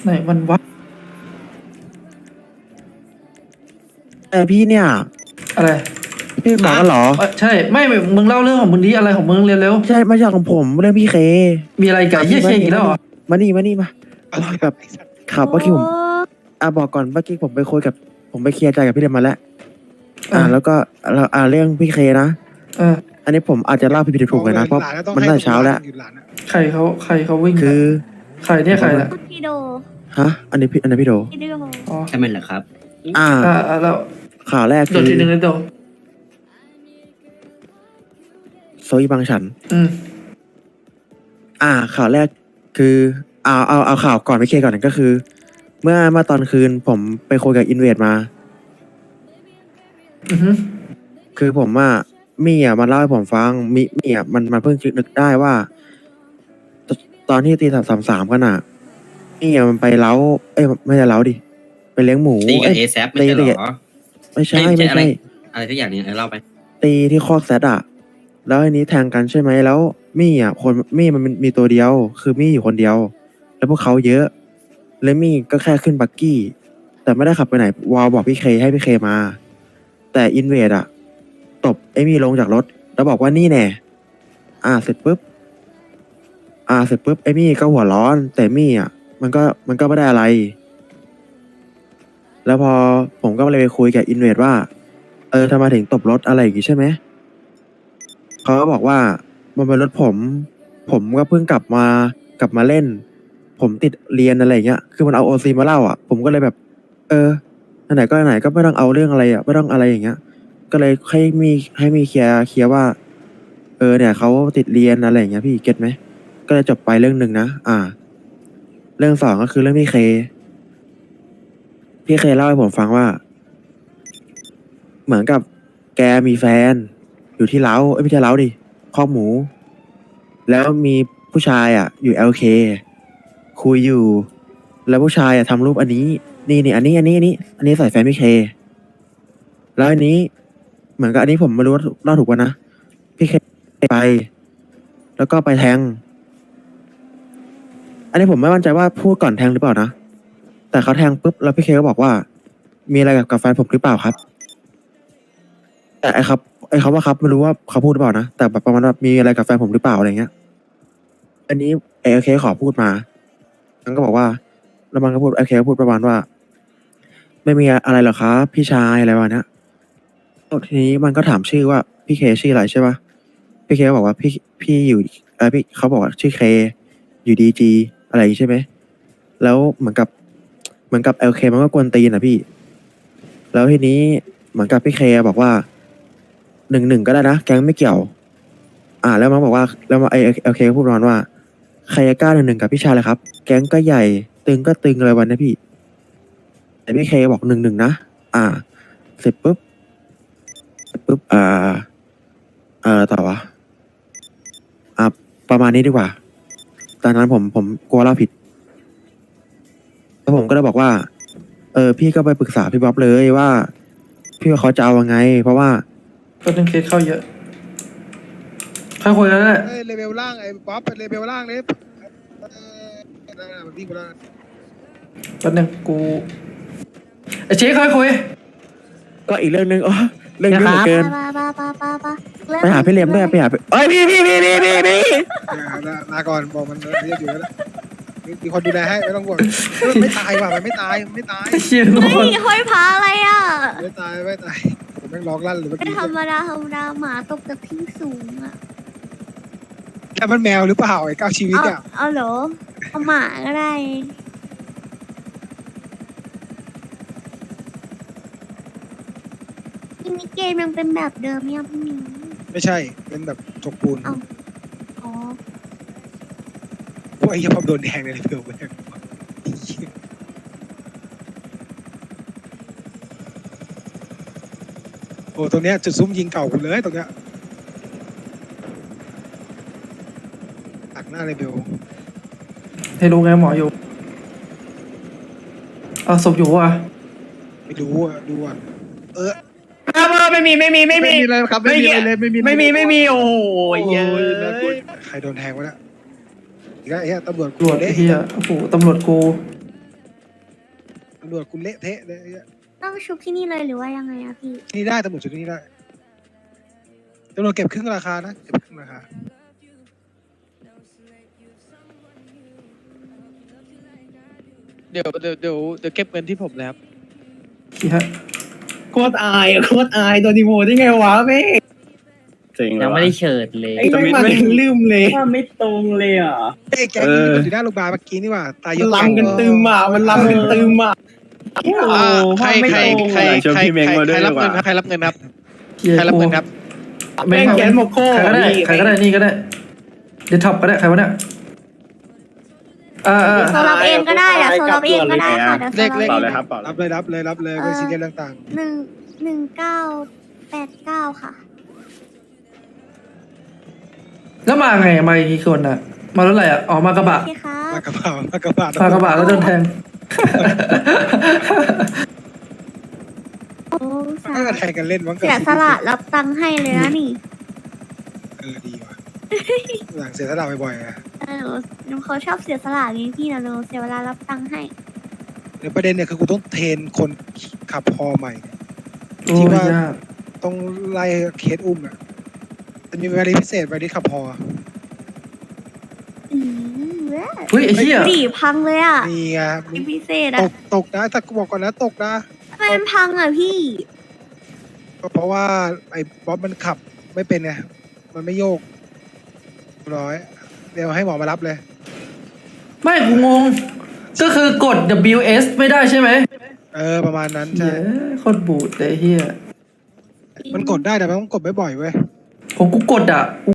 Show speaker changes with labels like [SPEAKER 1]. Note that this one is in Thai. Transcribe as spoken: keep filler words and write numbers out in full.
[SPEAKER 1] ไหนมันวะ
[SPEAKER 2] เออพี่เนี่ย
[SPEAKER 1] อะไร
[SPEAKER 2] พี่หมอกันเหรอ
[SPEAKER 1] เอ้ยใช่ไม่ไม่มึงเล่าเรื่องของมึงดีอะไรของมึงเร็ว
[SPEAKER 2] ไม่ใช่ไม่ใช่ของผมเรื่องพี่เค
[SPEAKER 1] ๆมีอะไรกับเยี่ยเคอีกแล้วเหรอ
[SPEAKER 2] มานี่มานี่มาโอ้ยแบบขับเมื่อกี้ผมอ่ะบอกก่อนเมื่อกี้ผมไปคุยกับ ผมไปเคลียร์ใจกับพี่เดมมาแล้ว อ่า
[SPEAKER 1] อ่ะ
[SPEAKER 2] แล้วก็เราอ่าเรื่องพี่เคนะ
[SPEAKER 1] เออ
[SPEAKER 2] อันนี้ผมอาจจะเล่าผิดๆถูกๆเลยนะเพราะมันน่าจะเช้าแล้ว
[SPEAKER 1] ใครเขาใครเขาวิ่ง
[SPEAKER 2] คือ
[SPEAKER 1] ใครเนี่ยใครล่ะ
[SPEAKER 3] พี่โด
[SPEAKER 2] ฮะอันนี้พี่อันนี้พี่โด
[SPEAKER 3] พี่โด
[SPEAKER 1] อ๋อ
[SPEAKER 4] ใช่ไหมเหรอครับ
[SPEAKER 2] อ่า
[SPEAKER 1] อ่าอ่าแล้ว
[SPEAKER 2] ข่าวแรก
[SPEAKER 1] โด
[SPEAKER 2] คื
[SPEAKER 1] ด
[SPEAKER 2] อ
[SPEAKER 1] ทีหนึ่งเลยโดด
[SPEAKER 2] โซอีบางฉัน
[SPEAKER 1] อืม
[SPEAKER 2] อ่า ข่าวแรกคือเอาเอาเอาข่าวก่อนพี่เคก่อนก็คือ เมื่อเมื่อตอนคืนผมไปคุยกับอินเวดมา
[SPEAKER 1] อือฮึ
[SPEAKER 2] คือผมว่ามี่อ่ะมันเล่าให้ผมฟังมิมี่อ่ะมันมันเพิ่งนึกได้ว่า ตตอนที่ตีสามสามสามกันอ่ะมี่อ่ะมันไปเล้าเอ้ยไม่ใช่เล้าดิไปเลี้ยงหมู
[SPEAKER 4] ตีกับ
[SPEAKER 2] เอ้ย
[SPEAKER 4] เอแซไม่ใช่เหร
[SPEAKER 2] ตีกับ
[SPEAKER 4] อ
[SPEAKER 2] ไม่ใช่
[SPEAKER 4] ไม่
[SPEAKER 2] ไม่
[SPEAKER 4] ใช่อะไร
[SPEAKER 2] ใช่
[SPEAKER 4] อะไรทุกอย่างเนี่ยเล่าไป
[SPEAKER 2] ตีที่คอกแซดอ่ะ แล้วอันนี้แทงกันใช่ไหมแล้วมี่อ่ะคนมี่มันมีตัวเดียว คือมี่อยู่คนเดียว แล้วพวกเขาเยอะ แล้วมี่ก็แค่ขึ้นบักกี้ แต่ไม่ได้ขับไปไหนวาวบอกพี่เคให้พี่เคมา แต่อินเวดอ่ะตบไอ้มี่ลงจากรถ แล้วบอกว่านี่แน่ อ่าเสร็จปุ๊บ อ่าเสร็จปุ๊บไอ้มี่ก็หัวร้อน แต่มี่อ่ะ มันก็มันก็ไม่ได้อะไร แล้วพอผมก็เลยไปคุยกับอินเวดว่า เออทำไมถึงตบรถอะไรอย่างงี้ใช่ไหม เขาก็บอกว่ามันเป็นรถผม ผมก็เพิ่งกลับมากลับมาเล่น ผมติดเรียนอะไรอย่างเงี้ย คือมันเอาโอซีมาเล่าอ่ะ ผมก็เลยแบบ เออไหนๆก็ไหนๆก็ไม่ต้องเอาเรื่องอะไรอ่ะ ไม่ต้องอะไรอย่างเงี้ย ก็เลยให้มีให้มีเคลียร์เคลียร์ว่า เออเนี่ยเขาติดเรียนอะไรอย่างเงี้ยพี่เก็ตไหม ก็เลยจบไปเรื่องหนึ่งนะ อ่า เรื่องสองก็คือเรื่องพี่เค พี่เคเล่าให้ผมฟังว่า เหมือนกับแกมีแฟน อยู่ที่เล้าเอ้ยไม่ใช่เล้าดิคอกหมู แล้วมีผู้ชายอ่ะ อยู่ แอล เค คุยอยู่ แล้วผู้ชายอ่ะทำรูปอันนี้ นี่นี่อันนี้อันนี้อันนี้ อันนี้ใส่แฟนพี่เค แล้วอันนี้ เหมือนกับอันนี้ผมไม่รู้ว่าเล่าถูกป่ะนะ พี่เคไป แล้วก็ไปแทง อันนี้ผมไม่มั่นใจว่าพูดก่อนแทงหรือเปล่านะ แต่เขาแทงปุ๊บแล้วพี่เคก็บอกว่า มีอะไรกับกับแฟนผมหรือเปล่าครับ แต่ไอ้ครับไอ้เขาว่าครับไม่รู้ว่าเขาพูดหรือเปล่านะแต่แบบประมาณว่ามีอะไรกับแฟนผมหรือเปล่าอะไรเงี้ย อันนี้เอเคขอพูดมามันก็บอกว่าแล้วมันก็พูดเอเคพูดประมาณว่า ไม่มีอะไรหรอกครับพี่ชายอะไรประมาณเนี้ยแล้วทีนี้มันก็ถามชื่อว่าพี่เคชื่ออะไรใช่ปะพี่เคก็บอกว่าพี่พี่อยู่เออพี่เขาบอกว่าชื่อเคอยู่ดีจีอะไรอย่างงี้ใช่ไหมแล้วเหมือนกับเหมือนกับเอลเคมันก็กวนตีนอ่ะพี่ แล้วทีนี้เหมือนกับพี่เคบอกว่าหนึ่งหนึ่งก็ได้นะแก๊งไม่เกี่ยว อ่า แล้วมันบอกว่าแล้วมาไอเอลเคพูดประมาณว่าใครจะกล้าหนึ่งหนึ่งกับพี่ชายเลยครับ แก๊งก็ใหญ่ ตึงก็ตึงอะไรวันนะพี่ แต่พี่เคบอกหนึ่งหนึ่งนะอ่า เสร็จปุ๊บเสร็จปุ๊บอ่าเอ่อต่อวะอ่าประมาณนี้ดีกว่า ตอนนั้นผมผมกลัวเล่าผิดแล้วผมก็เลยบอกว่า เออพี่ก็ไปปรึกษาพี่บ๊อบเลยว่า พี่ว่าเขาจะเอายังไง เพราะว่า
[SPEAKER 1] ก็นึงเคสเข้าเยอะค่อยคุยกันแหละ
[SPEAKER 5] เอ้ยเลเวลล่างไอ้ป๊อปเป็นเลเวลล่างเนี่ยเออนั่นน่ะมันวิ่งไปแล้วนะ
[SPEAKER 1] แป๊บนึงกูไอ้เจ๊ค่อยคุย
[SPEAKER 2] ก็อีกเรื่องหนึ่งอ๋อเรื่องเยอะเหลือเกิน
[SPEAKER 3] ปาปาปาปาปา
[SPEAKER 2] ไปหาพี่เลียมด้วยไปหาพี่เอ้ยพี่พี่พี่พี่พี่พี่
[SPEAKER 5] อย่าลาลาก่อนบอกมันเรียกอยู่แล้วมีมีคนดูแลให้ไม่ต้องห่วงมันไม่ตายว่ะมันไม่ตายมันไม่ตาย
[SPEAKER 1] เชียร์
[SPEAKER 3] เฮ้
[SPEAKER 1] คน
[SPEAKER 3] ยห้อยพาอะไรอ่ะ
[SPEAKER 5] ไม่ตายไม่ตายผมแม่งร้องลั่นเลยเมื่อ
[SPEAKER 3] ไม่
[SPEAKER 5] กี้
[SPEAKER 3] ธรรมดาธรรมดาหมาตกจากที่สูงอ่ะ
[SPEAKER 5] แค่มันแมวหรือเปล่าไอ้เก้าชีวิต
[SPEAKER 3] เอา
[SPEAKER 5] อ่ะ
[SPEAKER 3] เอาเหรอเอาหมาก็ได้ทีนี้เกมยังเป็นแบบเดิมยังพี่หมี
[SPEAKER 5] ไม่ใช่เป็นแบบจกปูน
[SPEAKER 3] เอ้า อ๋อ
[SPEAKER 5] พวกไอ้เหี้ยพอโดนแดงเลยเพื่อนแม่งโอ้ตรงเนี้ยจุดซุ้มยิงเก่ากูเลยตรงเนี้ยตักหน้าเลยเบล
[SPEAKER 1] ให้รู้ไงหมออยู่เอาศพอยู่ว่ะ
[SPEAKER 5] ไม่รู้อ่ะดูอ่ะเออ
[SPEAKER 6] ไม่มีไม่มีไม่มี
[SPEAKER 5] อะไรครับไม่มีอะไรเลยไม่มี
[SPEAKER 6] ไม่มีไม่มีโอ้โห
[SPEAKER 5] โอ้ย
[SPEAKER 6] เยอะ
[SPEAKER 5] น่ากลัวใครโดนแทงวะเนี่ยอีกแล้วไอ้เหี้ยตำรวจ
[SPEAKER 1] ตำรวจ
[SPEAKER 5] เด้
[SPEAKER 1] ไอ้เฮียโอ้โหตำรวจกู
[SPEAKER 5] ตำรวจกูเละเทะเลยไอ้เหี้ย
[SPEAKER 3] ต้องชุบที่นี่เลยหรือว่ายังไงอะพี่
[SPEAKER 5] ที่นี่ได้ตำรวจชุดที่นี่ได้ตำรวจเก็บครึ่งราคานะเก็บครึ่งราคาเดี๋ยวเดี๋ยวเดี๋ยวเดี๋ยวเก็บเงินที่ผมแล้ว
[SPEAKER 1] พี่ฮะ
[SPEAKER 6] โคตรอายอะโคตรอายโดนดีโมได้ไงวะแม่ง
[SPEAKER 4] จริง
[SPEAKER 7] ยังไม่ได้เฉิดเลย
[SPEAKER 6] ไอ้ไม่มาถึงลืมเลย
[SPEAKER 4] ว่าไม่ตรงเลยอ่ะ
[SPEAKER 5] เอ้ยแกงนี้มันอยู่หน้าโรงพยาบาลเมื่อกี้นี่หว่าตายเย
[SPEAKER 6] มัน
[SPEAKER 5] อะ
[SPEAKER 6] ลำกันตึมอ่ะมันลำกันตึมอ่ะ
[SPEAKER 5] อ่าใครใครใคร
[SPEAKER 4] ชวน
[SPEAKER 5] ใคร
[SPEAKER 4] พี่เมงมาด้วย
[SPEAKER 5] ใคร
[SPEAKER 4] ดี
[SPEAKER 5] รับ
[SPEAKER 4] กว่า
[SPEAKER 5] เงินครับใครรับเงินครับ
[SPEAKER 1] เฮีย
[SPEAKER 5] ใครรับ
[SPEAKER 1] กู
[SPEAKER 5] เงินครับ
[SPEAKER 1] ไม่
[SPEAKER 6] แม่ง
[SPEAKER 1] เอา
[SPEAKER 6] แกนโมโก้
[SPEAKER 1] ใครก็ได้ใครก็ได้นี่ก็ได้เดี๋ยวท็อปก็ได้ใครวะเนี่ยอ่าอ่า
[SPEAKER 3] โซรับเองก็ได้เดี๋ยวโซรับเองก็ได้ค่ะเดี๋ยวโซ
[SPEAKER 5] เลข
[SPEAKER 3] รับ
[SPEAKER 5] เลข
[SPEAKER 4] เปล่า
[SPEAKER 3] เอง
[SPEAKER 4] เลยครับเปล่าเล
[SPEAKER 5] รั
[SPEAKER 4] ย
[SPEAKER 5] บเลยรับเลยรับเลยไม่ซีเรียสเรื่องต่าง
[SPEAKER 3] หนึ่งหนึ่งเก้าแปดเก้าค่ะ
[SPEAKER 1] แล้วมาไงมากี่คนอ่ะ มารถอะไรอ่ะออกมากระบะ
[SPEAKER 3] โอเคค่ะ
[SPEAKER 5] มากระเป๋ามากระเป๋าม
[SPEAKER 1] ากระบะแล้วโดนแทง
[SPEAKER 3] โอ้สา
[SPEAKER 5] ก็แทงกันเล่นมั้ง
[SPEAKER 3] เสียสละรับตังค์ให้เลยนะนี่
[SPEAKER 5] เออดีว่ะหลังเสียสละบ่อยๆอะ
[SPEAKER 3] เออหนูเขาชอบเสียสละไงพี่นะหนูเสียเวลารับตังค์ให้
[SPEAKER 5] เดี๋ยวประเด็นเนี่ยคือกูต้องเทรนคนขับพอใหม่เนี่ย
[SPEAKER 1] โอ้
[SPEAKER 5] ที่
[SPEAKER 1] ย
[SPEAKER 5] ว่า
[SPEAKER 1] ยาก
[SPEAKER 5] ต้องไล่เคสอุ้มอ่ะจะมีเวลาพิเศษเวลาขับพอ
[SPEAKER 3] อืมเว้ย
[SPEAKER 1] เฮ้ยไอ้เหี้ย
[SPEAKER 3] ดีพังเลยอ่ะ
[SPEAKER 5] นี่ไงมึ
[SPEAKER 3] เป็น
[SPEAKER 5] ง
[SPEAKER 3] พิเศษ
[SPEAKER 5] ต
[SPEAKER 3] อ่ะ
[SPEAKER 5] กตกนะแต่กูบอกก่อนนะตกนะ
[SPEAKER 3] ทำไมมันพังอ่ะพี่
[SPEAKER 5] ก็เพราะว่าไอ้บ๊อบมันขับไม่เป็นไงมันไม่โยกร้อย เดี๋ยวให้หมอมารับเลย
[SPEAKER 1] ไม่กูงง ก็คือกด ดับเบิลยู เอส ไม่ได้ใช่ไหม
[SPEAKER 5] เออประมาณนั้น
[SPEAKER 1] เหี้
[SPEAKER 5] ใช่
[SPEAKER 1] ยโคตรบูดเลยเฮีย
[SPEAKER 5] มันกดได้แต่มันต้องกดบ่อยๆเว้ย
[SPEAKER 1] ผมกูกดอ่ะ